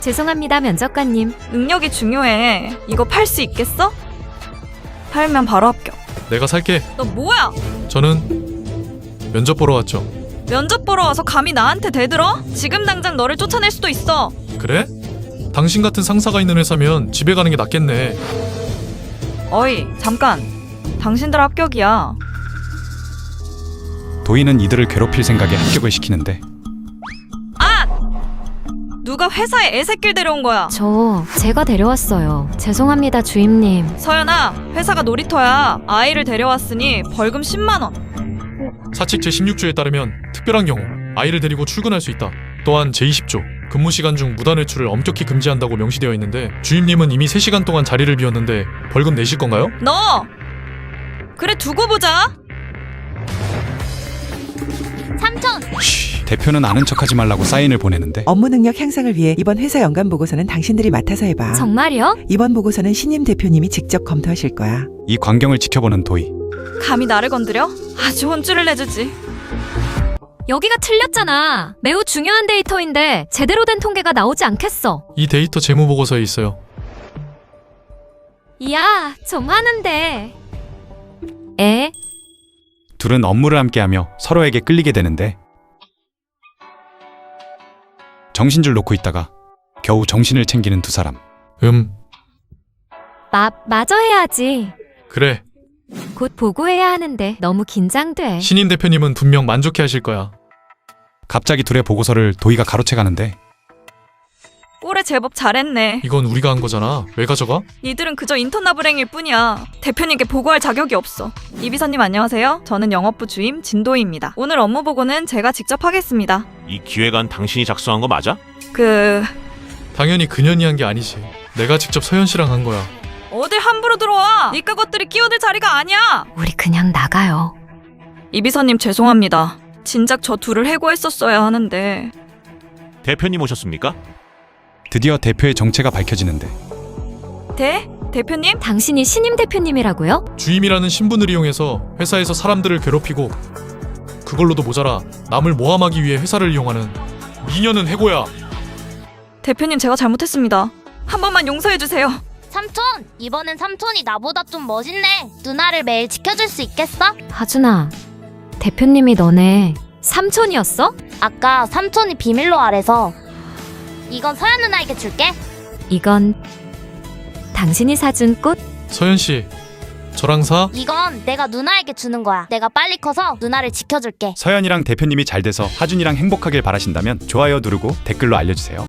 죄송합니다, 면접관님. 능력이 중요해. 이거 팔 수 있겠어? 팔면 바로 합격. 내가 살게. 너 뭐야? 저는 면접 보러 왔죠. 면접 보러 와서 감히 나한테 대들어? 지금 당장 너를 쫓아낼 수도 있어. 그래? 당신 같은 상사가 있는 회사면 집에 가는 게 낫겠네. 어이, 잠깐. 당신들 합격이야. 도희는 이들을 괴롭힐 생각에 합격을 시키는데 누가 회사에 애새끼를 데려온 거야? 제가 데려왔어요. 죄송합니다, 주임님. 서연아, 회사가 놀이터야. 아이를 데려왔으니 벌금 10만 원. 사칙 제16조에 따르면 특별한 경우 아이를 데리고 출근할 수 있다. 또한 제20조 근무 시간 중 무단 외출을 엄격히 금지한다고 명시되어 있는데 주임님은 이미 3시간 동안 자리를 비웠는데 벌금 내실 건가요? 너! 그래, 두고 보자. 삼촌! 대표는 아는 척하지 말라고 사인을 보내는데 업무 능력 향상을 위해 이번 회사 연간 보고서는 당신들이 맡아서 해봐. 정말요? 이번 보고서는 신임 대표님이 직접 검토하실 거야. 이 광경을 지켜보는 도희. 감히 나를 건드려? 아주 혼쭐을 내주지. 여기가 틀렸잖아. 매우 중요한 데이터인데 제대로 된 통계가 나오지 않겠어. 이 데이터 재무 보고서에 있어요. 야, 좀 하는데. 에? 둘은 업무를 함께하며 서로에게 끌리게 되는데 정신줄 놓고 있다가 겨우 정신을 챙기는 두 사람. 마저 해야지. 그래. 곧 보고해야 하는데 너무 긴장돼. 신임 대표님은 분명 만족해 하실 거야. 갑자기 둘의 보고서를 도희가 가로채가는데 꼴에 제법 잘했네. 이건 우리가 한 거잖아. 왜 가져가? 니들은 그저 인턴나블행일 뿐이야. 대표님께 보고할 자격이 없어. 이 비서님 안녕하세요. 저는 영업부 주임 진도희입니다. 오늘 업무 보고는 제가 직접 하겠습니다. 이 기획안 당신이 작성한 거 맞아? 당연히 그년이 한 게 아니지. 내가 직접 서현 씨랑 한 거야. 어딜 함부로 들어와. 니까 것들이 끼어들 자리가 아니야. 우리 그냥 나가요. 이 비서님 죄송합니다. 진작 저 둘을 해고했었어야 하는데. 대표님 오셨습니까? 드디어 대표의 정체가 밝혀지는데 대표님? 당신이 신임 대표님이라고요? 주임이라는 신분을 이용해서 회사에서 사람들을 괴롭히고 그걸로도 모자라 남을 모함하기 위해 회사를 이용하는 미녀는 해고야. 대표님 제가 잘못했습니다. 한 번만 용서해주세요. 삼촌! 이번엔 삼촌이 나보다 좀 멋있네. 누나를 매일 지켜줄 수 있겠어? 하준아, 대표님이 너네 삼촌이었어? 아까 삼촌이 비밀로 아래서. 이건 서연 누나에게 줄게. 이건 당신이 사준 꽃? 서현 씨, 저랑 사? 이건 내가 누나에게 주는 거야. 내가 빨리 커서 누나를 지켜줄게. 서연이랑 대표님이 잘 돼서 하준이랑 행복하길 바라신다면 좋아요 누르고 댓글로 알려주세요.